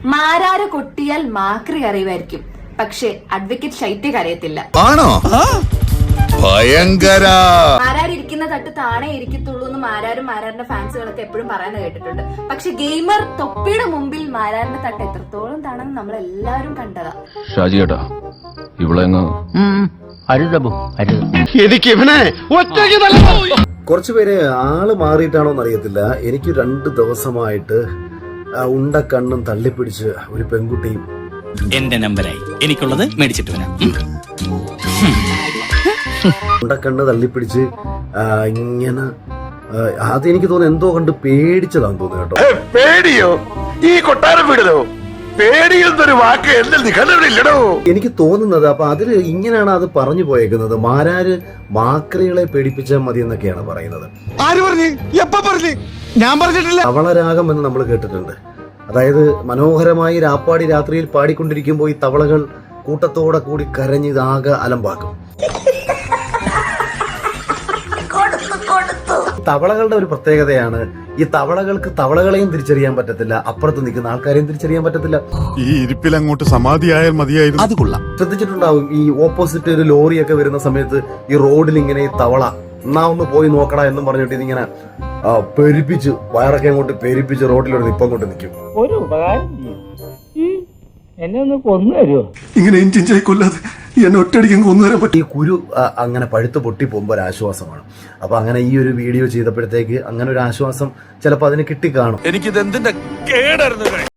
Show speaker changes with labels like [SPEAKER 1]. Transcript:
[SPEAKER 1] മാരാര് കൊട്ടിയാൽ മാക്രി അറിയുമായിരിക്കും, പക്ഷെ അഡ്വക്കേറ്റ് ശൈത്യ അറിയത്തില്ല.
[SPEAKER 2] ആണോ? ഭയങ്കര.
[SPEAKER 1] മാരാരിരിക്കുന്ന തട്ട് താണേ ഇരിക്കത്തുള്ളൂ എന്ന് മാരാരിന്റെ ഫാൻസുകളൊക്കെ എപ്പോഴും പറയുന്നത് കേട്ടിട്ടുണ്ട്. പക്ഷെ ഗെയിമർ തൊപ്പിയുടെ മുമ്പിൽ മാരാരിന്റെ തട്ട് എത്രത്തോളം താണെന്ന് നമ്മൾ എല്ലാവരും കണ്ടതാ.
[SPEAKER 3] ഷാജിയേട്ടാ ഇവിടെ
[SPEAKER 4] കുറച്ചുപേരെ ആള് മാറിയിട്ടാണോന്ന് അറിയത്തില്ല. എനിക്ക് 2 ദിവസമായിട്ട് ഉണ്ടക്കണ്ണും തള്ളിപ്പിടിച്ച് ഒരു പെൺകുട്ടിയും
[SPEAKER 5] എന്റെ നമ്പരായി എനിക്കുള്ളത് മേടിച്ചിട്ട് വരാം.
[SPEAKER 4] ഉണ്ടക്കണ്ണ് തള്ളിപ്പിടിച്ച് ഇങ്ങനെ അത് എനിക്ക് തോന്നുന്നു എന്തോ കണ്ട് പേടിച്ചതാന്ന് തോന്നുന്നു കേട്ടോ.
[SPEAKER 2] പേടിയോ? ഈ കൊട്ടാരം വീടലോ? പേടിയെന്നൊരു വാക്ക് എന്നെ കണ്ടില്ലടോ. എനിക്ക്
[SPEAKER 4] തോന്നുന്നത് അപ്പൊ അതില് ഇങ്ങനെയാണ് അത് പറഞ്ഞു പോയേക്കുന്നത്. മാരാര് മാക്രികളെ പേടിപ്പിച്ചാൽ മതി എന്നൊക്കെയാണ് പറയുന്നത്.
[SPEAKER 2] ആര് പറഞ്ഞു? എപ്പ പറഞ്ഞു? ഞാൻ പറഞ്ഞിട്ടില്ല.
[SPEAKER 4] തവളരാഗം എന്ന് നമ്മൾ കേട്ടിട്ടുണ്ട്. അതായത് മനോഹരമായി രാപ്പാടി രാത്രിയിൽ പാടിക്കൊണ്ടിരിക്കുമ്പോൾ ഈ തവളകൾ കൂട്ടത്തോടെ കൂടി കരഞ്ഞ് ഇതാകെ അലമ്പാക്കും. തവളകളുടെ ഒരു പ്രത്യേകതയാണ് ഈ തവളകൾക്ക് തവളകളെയും തിരിച്ചറിയാൻ പറ്റത്തില്ല, അപ്പുറത്ത് നിൽക്കുന്ന ആൾക്കാരെയും തിരിച്ചറിയാൻ പറ്റത്തില്ല.
[SPEAKER 2] ഈ ഇരിപ്പിൽ അങ്ങോട്ട് സമാധിയായാൽ മതിയായിരുന്നു.
[SPEAKER 5] അത് കൊള്ളാം.
[SPEAKER 4] ശ്രദ്ധിച്ചിട്ടുണ്ടാവും ഈ ഓപ്പോസിറ്റ് ഒരു ലോറിയൊക്കെ വരുന്ന സമയത്ത് ഈ റോഡിൽ ഇങ്ങനെ ഈ തവള എന്നാ ഒന്ന് പോയി നോക്കടാ എന്നും പറഞ്ഞിട്ട് ഇതിങ്ങനെ പെരുപ്പിച്ച് വയറൊക്കെ അങ്ങോട്ട് പെരുപ്പിച്ച് റോഡിലൊരു നിപ്പം കൊണ്ട് നിൽക്കും.
[SPEAKER 6] ഒരു ഉപകാരം എന്നെ ഒന്ന് കൊന്നു തരുമോ?
[SPEAKER 2] ഇങ്ങനെ ഇഞ്ചിഞ്ചായി കൊല്ലാതെ എന്നെ ഒറ്റയടിക്കും കൊന്നുതരാൻ പറ്റും.
[SPEAKER 4] ഈ കുരു അങ്ങനെ പഴുത്ത് പൊട്ടി പോകുമ്പോൾ ഒരു ആശ്വാസമാണ്. അപ്പൊ അങ്ങനെ ഈ ഒരു വീഡിയോ ചെയ്തപ്പോഴത്തേക്ക് അങ്ങനെ ഒരു ആശ്വാസം ചിലപ്പോൾ അതിന് കിട്ടിക്കാണും.
[SPEAKER 2] എനിക്കിത് എന്തിന്റെ കേടായിരുന്നു.